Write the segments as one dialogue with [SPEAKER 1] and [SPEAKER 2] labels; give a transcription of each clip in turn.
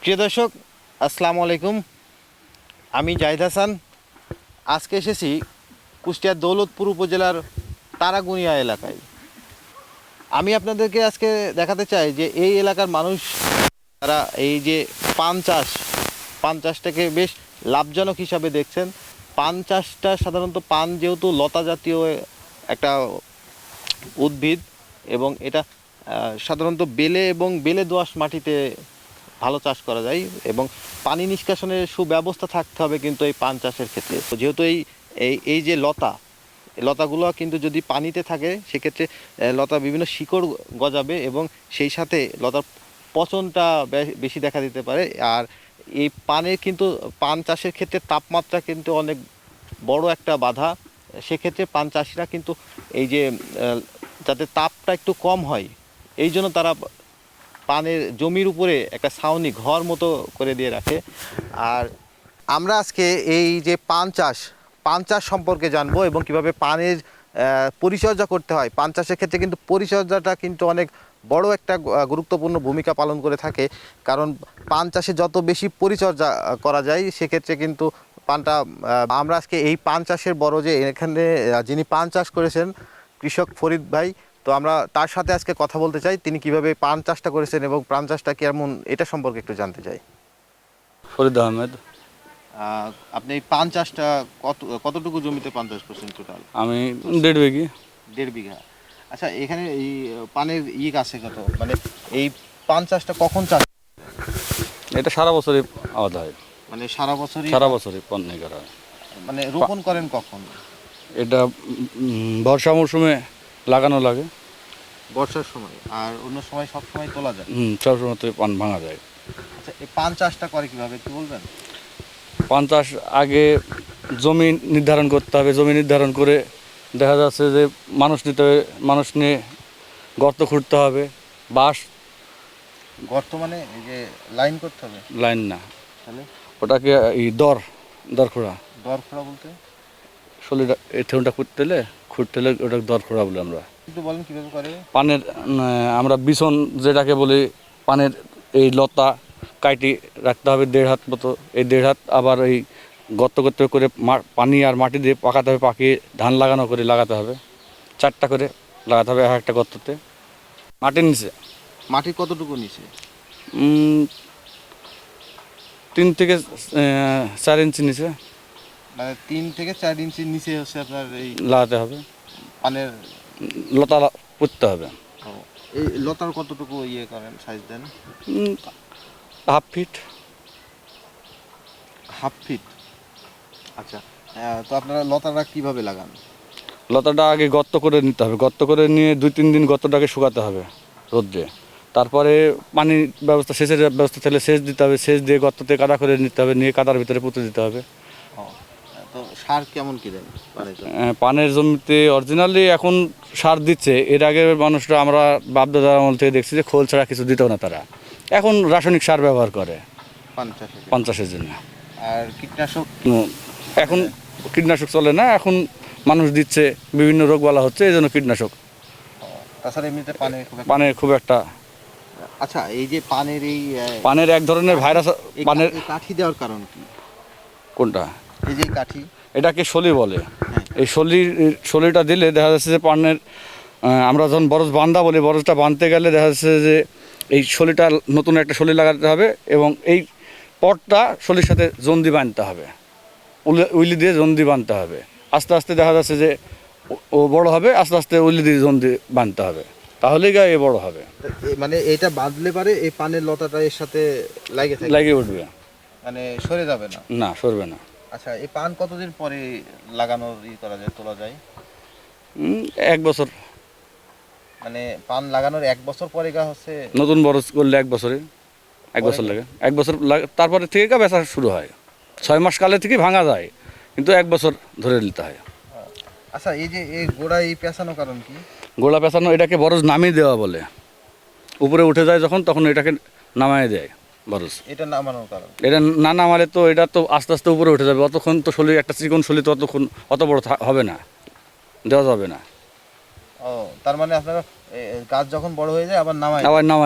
[SPEAKER 1] প্রিয় দর্শক, আসসালামু আলাইকুম। আমি জাহিদ হাসান। আজকে এসেছি কুষ্টিয়ার দৌলতপুর উপজেলার তারাগুনিয়া এলাকায়। আমি আপনাদেরকে আজকে দেখাতে চাই যে এই এলাকার মানুষ তারা এই যে পান চাষটাকে বেশ লাভজনক হিসাবে দেখছেন। পান চাষটা সাধারণত পান যেহেতু লতা জাতীয় একটা উদ্ভিদ এবং এটা সাধারণত বেলে এবং বেলে দোআঁশ মাটিতে ভালো চাষ করা যায় এবং পানি নিষ্কাশনের সুব্যবস্থা থাকতে হবে কিন্তু এই পান চাষের ক্ষেত্রে। তো যেহেতু এই যে লতাগুলো কিন্তু যদি পানিতে থাকে সেক্ষেত্রে লতা বিভিন্ন শিকড় গজাবে এবং সেই সাথে লতার পচনটা বেশি দেখা দিতে পারে। আর এই পান চাষের ক্ষেত্রে তাপমাত্রা কিন্তু অনেক বড় একটা বাধা। সেক্ষেত্রে পান চাষিরা কিন্তু এই যে যাতে তাপটা একটু কম হয় এই জন্য তারা পানের জমির উপরে একটা ছাউনি ঘর মতো করে দিয়ে রাখে। আর আমরা আজকে এই যে পান চাষ সম্পর্কে জানবো এবং কিভাবে পানের পরিচর্যা করতে হয়। পান চাষের ক্ষেত্রে কিন্তু পরিচর্যাটা কিন্তু অনেক বড় একটা গুরুত্বপূর্ণ ভূমিকা পালন করে থাকে, কারণ পান চাষে যত বেশি পরিচর্যা করা যায় সেক্ষেত্রে কিন্তু পানটা আমরা আজকে এই পান চাষের বড় যে এখানে যিনি পান চাষ করেছেন কৃষক ফরিদ ভাই, তো আমরা তার সাথে আজকে কথা বলতে চাই তিনি কিভাবে পান চাষটা করেছেন এবং পান চাষটা কেমন এটা সম্পর্কে একটু জানতে চাই।
[SPEAKER 2] ফরিদ আহমেদ।
[SPEAKER 1] আপনি এই পান চাষটা কতটুকু জমিতে পান চাষ করছেন টোটাল?
[SPEAKER 2] আমি 1.5 বিঘি।
[SPEAKER 1] 1.5 বিঘা। আচ্ছা, এখানে এই পানের আছে কত, মানে এই পান চাষটা কখন চাষ?
[SPEAKER 2] এটা সারা বছরই আবাদ হয়,
[SPEAKER 1] মানে সারা বছরই
[SPEAKER 2] পান করা হয়।
[SPEAKER 1] মানে রোপণ করেন কখন?
[SPEAKER 2] এটা বর্ষা মৌসুমে লাগানো লাগে।
[SPEAKER 1] বর্ষার সময়, আর অন্য সময় সব সময় তোলা যায়?
[SPEAKER 2] সব সময় তো পান ভাঙা যায়।
[SPEAKER 1] আচ্ছা, এই পান চাষটা করে কিভাবে একটু বলবেন?
[SPEAKER 2] পান চাষ আগে জমি নির্ধারণ করতে হবে। জমি নির্ধারণ করে দেখা যাচ্ছে যে মানুষ নিয়ে গর্ত খুঁড়তে হবে। বাঁশ
[SPEAKER 1] গর্ত মানে এই যে লাইন করতে হবে?
[SPEAKER 2] লাইন না,
[SPEAKER 1] তাহলে
[SPEAKER 2] ওটাকে এই দর খোঁড়া।
[SPEAKER 1] দর খোঁড়া বলতে?
[SPEAKER 2] শরীরটা এই ঠেউনটা খুঁড়তে হলে ওটাকে দর খোঁড়া বলে আমরা।
[SPEAKER 1] একটু বলেন কিভাবে করে?
[SPEAKER 2] পানের আমরা বিছন যেটাকে বলি, পানের এই লতা কাটি রাখতে হবে 1.5 হাত মতো। এই 1.5 হাত আবার এই গর্ত করতে করে পানি আর মাটি দিয়ে পাকাতে হবে, পাকিয়ে ধান লাগাতে হবে। 4টা করে লাগাতে হবে একটা গর্ততে। মাটির নিচে
[SPEAKER 1] মাটি কতটুকু নিচে?
[SPEAKER 2] 3 থেকে 4 ইঞ্চি নিচে
[SPEAKER 1] মানে 3 থেকে 4 ইঞ্চি নিচে হচ্ছে আপনার এই
[SPEAKER 2] লাগাতে হবে।
[SPEAKER 1] পানের
[SPEAKER 2] লতা পুঁততে হবে।
[SPEAKER 1] এই লতার কতটুকু করেন, সাইজ দেন?
[SPEAKER 2] 1/2 ফিট।
[SPEAKER 1] 1/2 ফিট। আচ্ছা, তো আপনারা লতাটা কিভাবে লাগান?
[SPEAKER 2] লতাটা আগে গর্ত করে নিতে হবে। গর্ত করে নিয়ে 2-3 দিন গর্তটাকে শুকাতে হবে রোদ্রে। তারপরে পানির ব্যবস্থা, সেচের ব্যবস্থা থাকলে সেচ দিতে হবে। সেচ দিয়ে গর্ততে কাদা করে নিতে হবে, নিয়ে কাদার ভিতরে পুঁতে দিতে হবে।
[SPEAKER 1] তো সার কেমন কি দেন
[SPEAKER 2] পানের জমিতে? অরিজিনালি এখন সার দিচ্ছে। এর আগে মানুষরা, আমরা বাপদাদার আমল থেকে দেখছি যে খোল ছাড়া কিছু দিত না তারা। এখন রাসায়নিক সার ব্যবহার করে পান চাষের জন্য।
[SPEAKER 1] আর কীটনাশক?
[SPEAKER 2] এখন কীটনাশক চলে না, এখন মানুষ দিচ্ছে, বিভিন্ন রোগবালা হচ্ছে, এই জন্য কীটনাশক।
[SPEAKER 1] তাছাড়া এমনিতে
[SPEAKER 2] পানের খুব একটা।
[SPEAKER 1] আচ্ছা, এই যে
[SPEAKER 2] পানের এক ধরনের ভাইরাস। পানের
[SPEAKER 1] কাঠি দেওয়ার কারণ কি?
[SPEAKER 2] কোনটা?
[SPEAKER 1] এই যে কাঠি,
[SPEAKER 2] এটাকে শলি বলে।
[SPEAKER 1] হ্যাঁ।
[SPEAKER 2] এই শলিটা দিলে দেখা যাচ্ছে যে পানের, আমরা যখন বরজ বান্ধা বলি, বরজটা বাঁধতে গেলে দেখা যাচ্ছে যে এই শলিটা, নতুন একটা শলি লাগাতে হবে এবং এই পটটা শলির সাথে জন্দি বাঁধতে হবে, উইলি দিয়ে জন্দি বাঁধতে হবে। আস্তে আস্তে দেখা যাচ্ছে যে ও বড় হবে, আস্তে আস্তে উইলি দিয়ে জন্দি বাঁধতে হবে, তাহলেই গায়ে বড় হবে।
[SPEAKER 1] মানে এটা বাঁধলে পারে এই পানের লতাটা এর সাথে
[SPEAKER 2] লাগে উঠবে,
[SPEAKER 1] মানে সরে যাবে না?
[SPEAKER 2] না, সরবে না।
[SPEAKER 1] আচ্ছা, এই পান কতদিন পরে লাগানোর করা যায়, তোলা যায়?
[SPEAKER 2] 1 বছর।
[SPEAKER 1] মানে পান লাগানোর 1 বছর পরে হচ্ছে
[SPEAKER 2] নতুন বরজ করলে 1 বছরে 1 বছর লাগে। 1 বছর তারপরে থেকে বেচা শুরু হয়। 6 মাস কালে থেকে ভাঙা যায়, কিন্তু 1 বছর ধরে নিতে হয়।
[SPEAKER 1] আচ্ছা, এই যে এই গোড়া পেঁচানো কারণ কি?
[SPEAKER 2] গোড়া পেঁচানো, এটাকে বরজ নামিয়ে দেওয়া বলে। উপরে উঠে যায় যখন, তখন এটাকে নামায় দেয় বরজ।
[SPEAKER 1] এটা নামানোর কারণ?
[SPEAKER 2] এটা না নামালে তো এটা তো আস্তে আস্তে উপরে উঠে যাবে। অতক্ষণ তো শরীর, একটা চিকন শরীর তো অত বড় হবে না, দেওয়া যাবে না।
[SPEAKER 1] ও, তার মানে আপনারা গাছ যখন বড় হয়ে যায় আবার নামাই
[SPEAKER 2] দিই।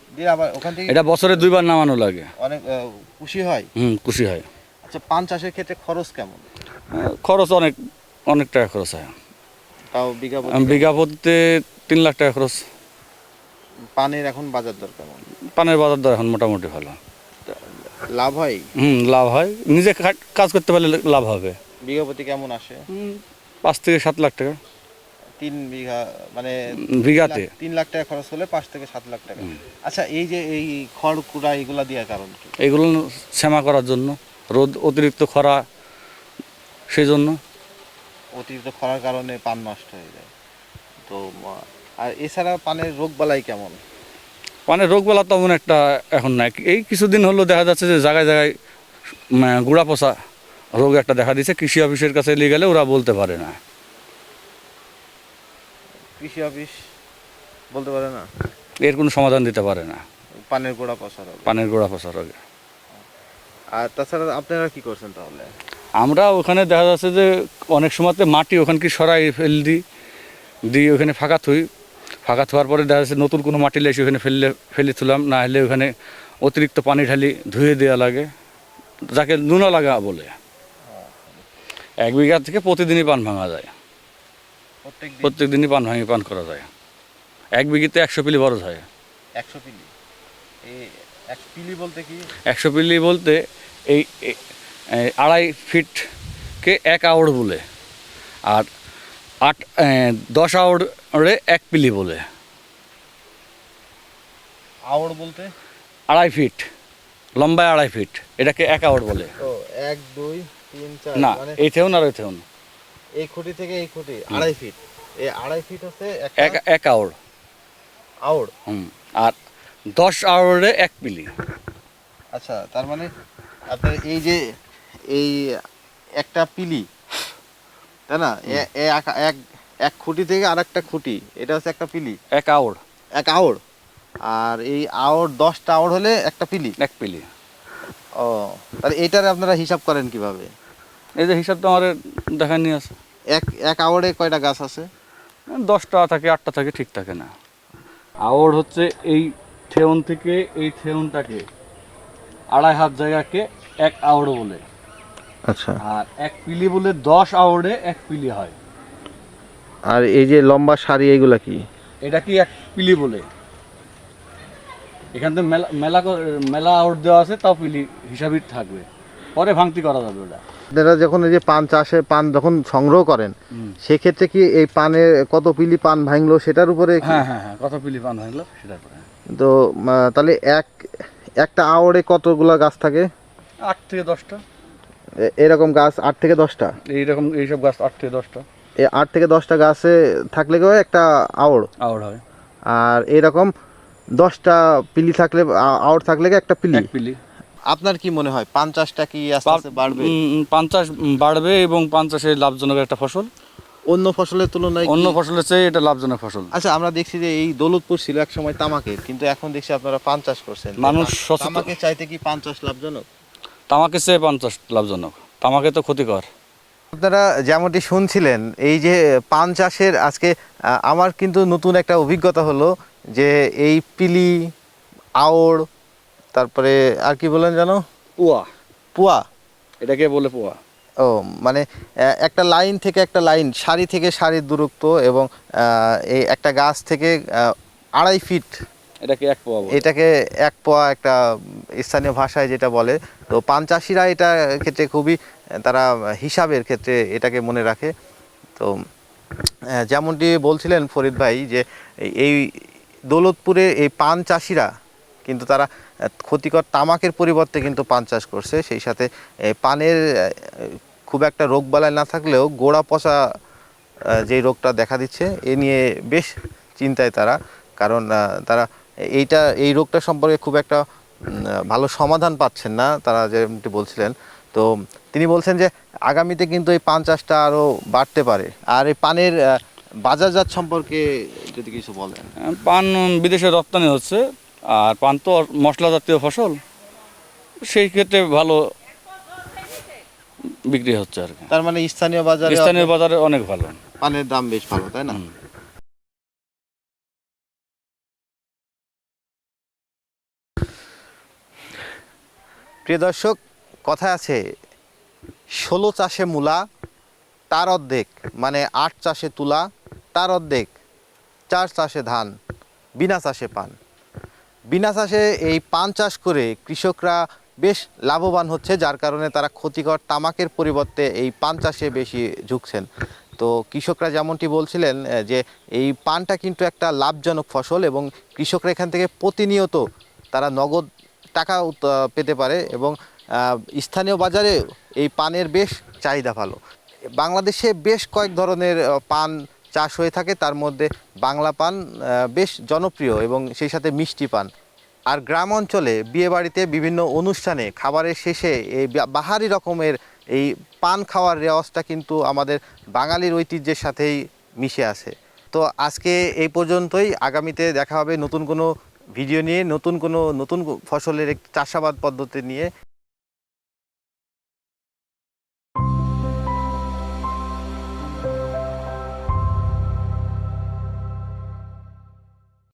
[SPEAKER 1] দিয়ে আবার ওখান থেকে
[SPEAKER 2] এটা বছরে 2 বার নামানো লাগে।
[SPEAKER 1] অনেক খুশি হয়।
[SPEAKER 2] খুশি হয়।
[SPEAKER 1] আচ্ছা, পান চাষের ক্ষেত্রে খরচ কেমন?
[SPEAKER 2] খরচ অনেক, অনেক টাকা খরচ হয়।
[SPEAKER 1] তাও বিঘা
[SPEAKER 2] বিঘা প্রতিতে 3 লাখ টাকা খরচ।
[SPEAKER 1] পানের এখন বাজার দর কেমন?
[SPEAKER 2] পানের বাজার দর এখন মোটামুটি ভালো।
[SPEAKER 1] লাভ হয়?
[SPEAKER 2] লাভ হয়, নিজে কাজ করতে পারলে লাভ হবে।
[SPEAKER 1] বিঘা প্রতি কেমন আসে?
[SPEAKER 2] 5 থেকে 7 লাখ টাকা।
[SPEAKER 1] 3 বিঘা মানে
[SPEAKER 2] বিঘাতে
[SPEAKER 1] 3 লাখ টাকা খরচ হলে 5 থেকে 7 লাখ টাকা। আচ্ছা, এই যে এই খড় কুড়া এগুলা দেওয়ার কারণ কি?
[SPEAKER 2] এগুলো শ্যামা করার জন্য, রোদ অতিরিক্ত খরা সেই জন্য।
[SPEAKER 1] অতিরিক্ত খরার কারণে পান নষ্ট হয়ে যায়। তো আর এছাড়া পানের রোগ বালাই কেমন?
[SPEAKER 2] পানের রোগবালা তেমন একটা এখন নাই। এই কিছুদিন হলো দেখা যাচ্ছে যে জায়গায় জায়গায় গুড়া পচা রোগ একটা দেখা দিচ্ছে। কৃষি অফিসের কাছে নিয়ে গেলে ওরা বলতে পারে না।
[SPEAKER 1] কৃষি অফিস বলতে পারে না,
[SPEAKER 2] এর কোনো সমাধান দিতে পারে না,
[SPEAKER 1] পানের গোড়া পচা রোগ।
[SPEAKER 2] পানের গোড়া পচা রোগে।
[SPEAKER 1] আর তাছাড়া আপনারা কি করছেন তাহলে?
[SPEAKER 2] আমরা ওখানে দেখা যাচ্ছে যে অনেক সময়তে মাটি ওখানে কি সরাই দিয়ে ওখানে ফাঁকা থুই। ফাঁকা থোয়ার পরে দেখা যাচ্ছে নতুন কোনো মাটি লেসে ওখানে ফেলে তুলাম, না হলে ওখানে অতিরিক্ত পানি ঢালি ধুয়ে দেওয়া লাগে, যাকে নুনা লাগা বলে। 1 বিঘা থেকে প্রতিদিনই পান ভাঙা যায়। প্রত্যেক দিনই পান করা যায়। 1 বিঘিতে 100 পিলি বরজ হয়।
[SPEAKER 1] 100 পিলি? এই 1 পিলি বলতে কি?
[SPEAKER 2] 100 পিলি বলতে এই 2.5 ফিটকে 1 আউড় বলে, আর 10 আউড়ে 1 পিলি বলে।
[SPEAKER 1] আউড় বলতে?
[SPEAKER 2] 2.5 ফিট লম্বায়, 2.5 ফিট, এটাকে 1 আউড় বলে।
[SPEAKER 1] ও 1 2 3 4
[SPEAKER 2] না,
[SPEAKER 1] মানে
[SPEAKER 2] এই থেউন আর ওই থেউন।
[SPEAKER 1] এই খুঁটি থেকে এই খুঁটি 2.5 ফিট। এই 2.5 ফিট হচ্ছে
[SPEAKER 2] 1 আউড়।
[SPEAKER 1] আউড়।
[SPEAKER 2] আর 10 আউড়ে 1 পিলি।
[SPEAKER 1] আচ্ছা, তার মানে আপনার এই যে এই একটা পিলি, তাই না? এক খুঁটি থেকে আরেকটা খুঁটি, এটা হচ্ছে একটা পিলি।
[SPEAKER 2] 1 আউড়।
[SPEAKER 1] 1 আউড়। আর এই আউড় 10টা আউড় হলে একটা পিলি।
[SPEAKER 2] 1 পিলি।
[SPEAKER 1] ও, তাহলে এটার আপনারা হিসাব করেন কিভাবে?
[SPEAKER 2] এই যে হিসাব তো আমার দেখা নিয়ে আছে।
[SPEAKER 1] এক আউড়ে কয়টা গাছ আছে?
[SPEAKER 2] 10টা থাকে, 8টা থাকে, ঠিক থাকে না। আউড় হচ্ছে এই থেউন থেকে এই থেউনটাকে 2.5 হাত জায়গাকে 1 আউড় বলে।
[SPEAKER 1] আচ্ছা।
[SPEAKER 2] আর 1 পিলি বলে 10 আউড়ে 1 পিলি হয়।
[SPEAKER 1] আর এই যে লম্বা সারি এগুলা কি?
[SPEAKER 2] এটা কি 1 পিলি বলে। এখান থেকে মেলা আউট দেওয়া আছে, তাও পিলি হিসাবই থাকবে, পরে ভাঙতি করা যাবে ওটা।
[SPEAKER 1] আপনারা যখন এই যে পান চাষে পান যখন সংগ্রহ করেন, সেক্ষেত্রে কি এই পানে কত পিলি পান ভাঙলো সেটার উপরে?
[SPEAKER 2] হ্যাঁ, কত পিলি পান ভাঙলো সেটার উপরে।
[SPEAKER 1] তো তাহলে একটা আওড়ে কতগুলা গাছ থাকে?
[SPEAKER 2] 8 থেকে 10টা।
[SPEAKER 1] এরকম গাছ 8 থেকে 10টা?
[SPEAKER 2] এইসব গাছ 8 থেকে 10টা।
[SPEAKER 1] এই 8 থেকে 10টা গাছে থাকলে কেউ একটা আওড়
[SPEAKER 2] হয়।
[SPEAKER 1] আর এরকম 10টা পিলি থাকলে, আওড় থাকলে একটা পিলি।
[SPEAKER 2] 1 পিলি।
[SPEAKER 1] আপনার কি মনে হয় পান চাষটা কি আস্তে আস্তে বাড়বে?
[SPEAKER 2] পান চাষ বাড়বে, এবং পান চাষে লাভজনক একটা ফসল।
[SPEAKER 1] অন্য ফসলের তুলনায়
[SPEAKER 2] অন্য ফসলের চেয়ে এটা লাভজনক ফসল।
[SPEAKER 1] আচ্ছা, আমরা দেখছি যে এই দৌলতপুর ছিল এক সময় তামাকের, কিন্তু এখন দেখছি আপনারা পান চাষ করছেন।
[SPEAKER 2] মানুষ সচেতন।
[SPEAKER 1] তামাকের চাইতে কি পান চাষ লাভজনক?
[SPEAKER 2] তামাকের চেয়ে পান চাষ লাভজনক। তামাকে তো ক্ষতিকর।
[SPEAKER 1] আপনারা যেমনটি শুনছিলেন, এই যে পান চাষের আজকে আমার কিন্তু নতুন একটা অভিজ্ঞতা হলো যে এই পিলি, আওড়, তারপরে আর কি বলেন জানো? পুয়া।
[SPEAKER 2] এটাকে বলে পুয়া।
[SPEAKER 1] ও, মানে একটা লাইন থেকে একটা লাইন, সারি থেকে সারির দূরত্ব, এবং এই একটা গাছ থেকে 2.5 ফিট,
[SPEAKER 2] এটাকে 1 পোয়া বলে।
[SPEAKER 1] এটাকে 1 পোয়া একটা স্থানীয় ভাষায় যেটা বলে। তো পান চাষিরা এটা ক্ষেত্রে খুবই তারা হিসাবের ক্ষেত্রে এটাকে মনে রাখে। তো যেমনটি বলছিলেন ফরিদ ভাই যে এই দৌলতপুরে এই পান চাষিরা কিন্তু তারা ক্ষতিকর তামাকের পরিবর্তে কিন্তু পান চাষ করছে। সেই সাথে পানের খুব একটা রোগবালাই না থাকলেও গোড়া পচা যেই রোগটা দেখা দিচ্ছে, এ নিয়ে বেশ চিন্তায় তারা। কারণ তারা এই রোগটা সম্পর্কে খুব একটা ভালো সমাধান পাচ্ছেন না তারা, যেমনটি বলছিলেন। তো তিনি বলছেন যে আগামীতে কিন্তু এই পান চাষটা আরও বাড়তে পারে। আর এই পানের বাজারজাত সম্পর্কে যদি কিছু বলেন।
[SPEAKER 2] পান বিদেশে রপ্তানি হচ্ছে, আর পান তো মশলা জাতীয় ফসল, সেই ক্ষেত্রে ভালো বিক্রি হচ্ছে আর কি।
[SPEAKER 1] তার মানে স্থানীয়
[SPEAKER 2] বাজারে অনেক ভালো,
[SPEAKER 1] পানের দাম বেশ ভালো, তাই না? প্রিয় দর্শক, কথা আছে 16 চাষে মূলা তার অর্ধেক, মানে 8 চাষে তুলা তার অর্ধেক, 4 চাষে ধান, বিনা চাষে পান। বিনা চাষে এই পান চাষ করে কৃষকরা বেশ লাভবান হচ্ছে, যার কারণে তারা ক্ষতিকর তামাকের পরিবর্তে এই পান চাষে বেশি ঝুঁকছেন। তো কৃষকরা যেমনটি বলছিলেন যে এই পানটা কিন্তু একটা লাভজনক ফসল এবং কৃষকরা এখান থেকে প্রতিনিয়ত তারা নগদ টাকা পেতে পারে এবং স্থানীয় বাজারে এই পানের বেশ চাহিদা ভালো। বাংলাদেশে বেশ কয়েক ধরনের পান চাষ হয়ে থাকে, তার মধ্যে বাংলা পান বেশ জনপ্রিয় এবং সেই সাথে মিষ্টি পান। আর গ্রাম অঞ্চলে বিয়েবাড়িতে বিভিন্ন অনুষ্ঠানে খাবারের শেষে এই বাহারি রকমের এই পান খাওয়ার রেওয়াজটা কিন্তু আমাদের বাঙালির ঐতিহ্যের সাথেই মিশে আছে। তো আজকে এই পর্যন্তই। আগামীতে দেখা হবে নতুন কোনো ভিডিও নিয়ে, নতুন ফসলের চাষাবাদ পদ্ধতি নিয়ে।